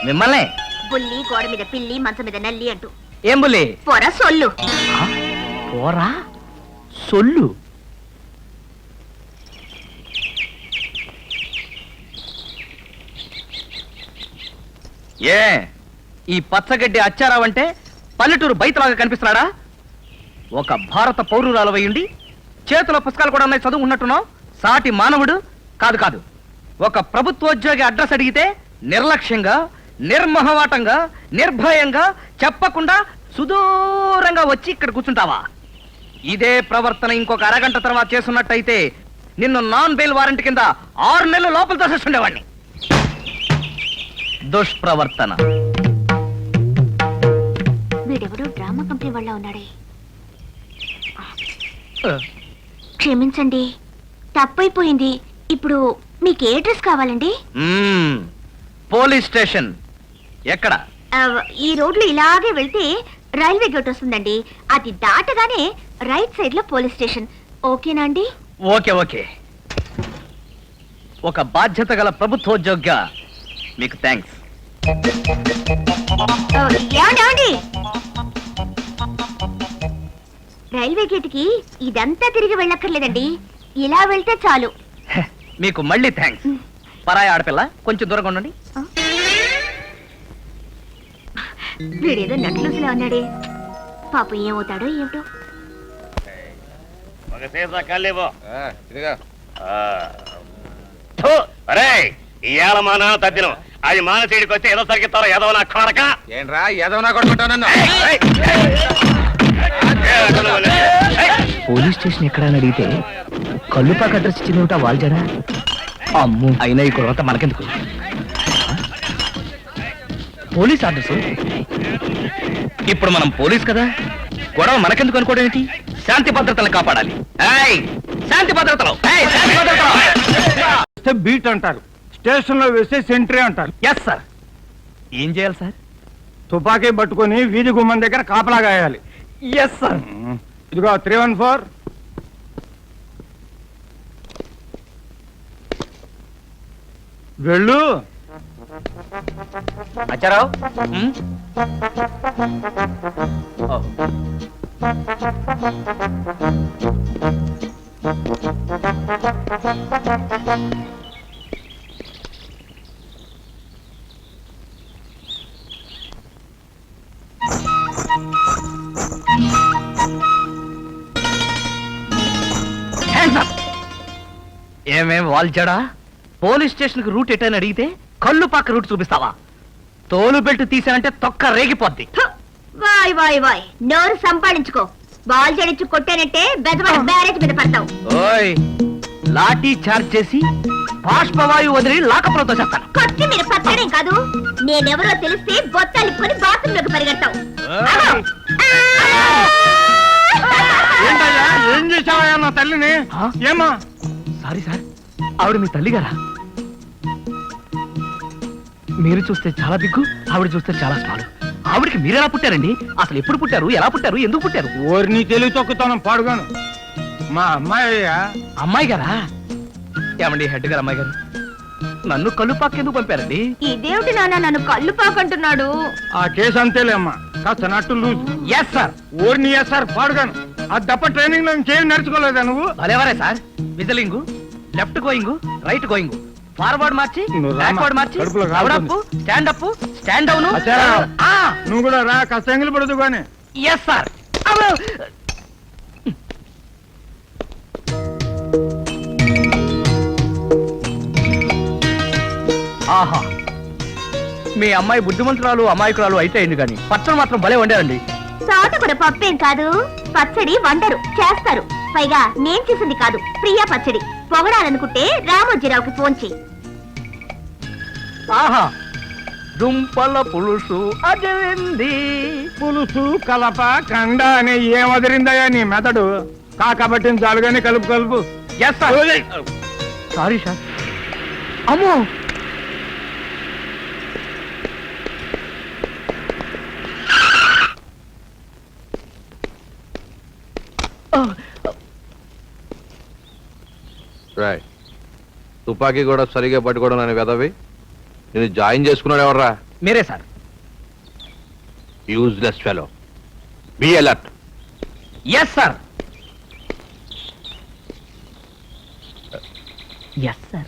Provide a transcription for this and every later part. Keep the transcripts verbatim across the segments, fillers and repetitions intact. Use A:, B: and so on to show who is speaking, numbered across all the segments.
A: మిమ్మల్ని
B: బుల్లి గోడ మీద పిల్లి మంచం మీద నల్లి అంటూ
A: ఏం బుల్లి
B: పొర సొల్లు
A: పోరా సొల్లు ఏ ఈ పచ్చగడ్డి అచ్చారావంటే పల్లెటూరు బయటలాగా కనిపిస్తున్నాడా? ఒక భారత పౌరురాలవయ్యుండి చేతిలో పుస్తకాలు కూడా ఉన్నాయి, చదువు ఉన్నట్టున్నావు. సాటి మానవుడు కాదు కాదు ఒక ప్రభుత్వోద్యోగి అడ్రస్ అడిగితే నిర్లక్ష్యంగా, నిర్మహమాటంగా, నిర్భయంగా చెప్పకుండా సుదూరంగా వచ్చి ఇక్కడ కూర్చుంటావా? ఇదే ప్రవర్తన ఇంకొక అరగంట తర్వాత చేస్తున్నట్టయితే నిన్ను నాన్ బెయిల్ వారెంట్ కింద ఆరు నెలలు లోపల తోసేస్తుండేవాడిని. దుష్ప్రవర్తన.
B: వీడెవడో డ్రామా కంపెనీ వాళ్ళ ఉన్నాడే. క్షమించండి, తప్పైపోయింది. ఇప్పుడు మీకు ఏ డ్రెస్ కావాలండి?
A: మ్మ్, పోలీస్ స్టేషన్ ఎక్కడ?
B: ఈ రోడ్లు ఇలాగే వెళ్తే రైల్వే గేట్ వస్తుందండి. అది దాటగానే రైట్ సైడ్ లో పోలీస్ స్టేషన్. ఓకేనా అండి?
A: Okay okay. ఒక బాధ్యత గల ప్రభుత్వోద్యోగిగా మీకు థ్యాంక్స్.
B: ఏమండి, రైల్వే గేట్ కి ఇదంతా తిరిగి వెళ్ళక్కర్లేదండి, ఇలా వెళ్తే చాలు.
A: మీకు మళ్ళీ థ్యాంక్స్. పరాయి ఆడపిల్ల, కొంచెం దూరంగా ఉండండి.
B: వీడేదో నట్లుసులా ఉన్నాడే, పాపం ఏమవుతాడో ఏమిటో.
C: ఇవాళ మాన తద్దినం అది మానసీడికి వస్తే ఏదో సరిగిస్తారో ఏదో నా కొడక.
D: ఏంట్రా ఏదో నా కొట్టుకుంటాను.
A: పోలీస్ స్టేషన్ ఎక్కడ అని అడిగితే కల్లుపాక అడ్రస్ ఇచ్చింది వాల్జడా. అమ్ము, అయినా ఈ కొరత మనకెందుకు? Police address. ఇప్పుడు మనం పోలీస్ కదా, గొడవ మనకెందుకు అనుకోవడం ఏంటి? శాంతి భద్రతలు కాపాడాలి. శాంతి భద్రతలు
E: బీట్ అంటారు, స్టేషన్ లో వేస్తే సెంట్రీ అంటారు.
A: Yes sir. ఏం చేయాలి సార్?
E: తుపాకీ పట్టుకొని వీధి గుమ్మం దగ్గర కాపలా గాయాలి.
A: Yes sir.
E: ఇదిగో త్రీ వన్ ఫోర్. వెళ్ళు.
A: అచ్చారావు. ఏమేం వాల్చడా? పోలీస్ స్టేషన్ కి రూట్ ఎటని అడిగితే కళ్ళు పక్క రూట్ చూపిస్తావా? తోలు బెల్ట్ తీసానంటే తొక్క రేగిపోద్ది.
B: వాయ్ వాయ్ వాయ్, నోరు సంపాదించుకో. బాల్ జడించి కొట్టానంటే బెజవాడ బ్యారేజ్ మీద పడతావు.
A: ఓయ్, లాఠీ చార్జ్ చేసి బాష్పవాయువు వదిలి లాకప్రోతో చేస్తాను.
B: కొట్టి మీరు పచ్చడేం కాదు, నేనెవరో తెలిస్తే బొత్తాలిప్పుకొని బాత్రూమ్ లోకి పరిగెడతావు.
E: ఏం చేసావా నా తల్లిని? ఏమా?
A: సారీ సార్, ఆవిడ మీ తల్లి గారా? మీరు చూస్తే చాలా దిగ్గు, ఆవిడ చూస్తే చాలా స్మాలు. ఆవిడకి మీరెలా పుట్టారండి? అసలు ఎప్పుడు పుట్టారు, ఎలా పుట్టారు, ఎందుకు పుట్టారు?
E: ఓరిని తెలివి తొక్కుతాను పాడుగాను. మా అమ్మాయి.
A: అమ్మాయి గారా? ఏమండి హెడ్ గారు, అమ్మాయి గారు నన్ను కళ్ళు పాకెందుకు పంపారండి?
B: ఇదేమిటి నాన్న నన్ను కళ్ళు పాకంటున్నాడు?
E: ఆ కేసు అంతేలేమ్మా, కాస్త నట్టు లూజ్.
A: Yes sir.
E: ఓరిని ఎస్ సార్ పాడుగాను. ఆ దప్ప ట్రైనింగ్ లో ఇంకేం నేర్చుకోలేదా నువ్వు?
A: భలేవరే sir. Whistling, left going, right going, forward march, backward march, up, stand up, stand down.
E: నువ్వు కూడా రా, కాస్త ఎంగిలి పడదు కానీ.
A: Yes sir. ఆహా, మీ అమ్మాయి బుద్ధిమంతురాలు అమాయకురాలు అయితే అయింది కానీ పచ్చడి మాత్రం భలే వండారండి.
B: తోట కూడా పప్పేం కాదు, పచ్చడి వండరు, చేస్తారు. పైగా నేను చేసింది కాదు, ప్రియా పచ్చడి. పొగడాలనుకుంటే రామోజీరావుకి ఫోన్ చెయ్యి.
A: ఆహా, దుంపల పులుసు అదిరింది.
E: పులుసు కలప కండ అని ఏం వదిలిందయ్యా నీ మెదడు? కాకబట్టిన జాలుగానే కలుపు కలుపు.
A: Sorry sir. అమ్మో,
D: తుపాకీ కూడా సరిగా పట్టుకోవడం అని వెదవి. నేను జాయిన్ చేసుకున్నాడు ఎవర్రా?
A: మీరే sir.
D: Useless fellow. Be alert.
A: Yes sir. Yes sir.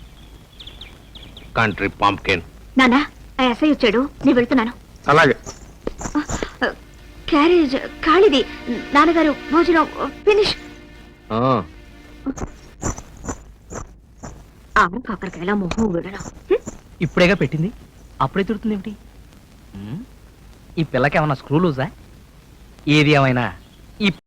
D: Country pumpkin.
B: నానా ఆ ఎస్ఐ వచ్చాడు, నేను వెళ్తున్నాను.
E: అలాగే.
B: క్యారేజ్ ఖాళీది. నాన్నగారు భోజనం ఫినిష్. ఆమె కాకరకాయల మొహం విడడం.
A: ఇప్పుడేగా పెట్టింది, అప్పుడే తిడుతుంది ఏమిటి? ఈ పిల్లకి ఏమన్నా స్క్రూ లూజా? ఏది ఏమైనా ఈ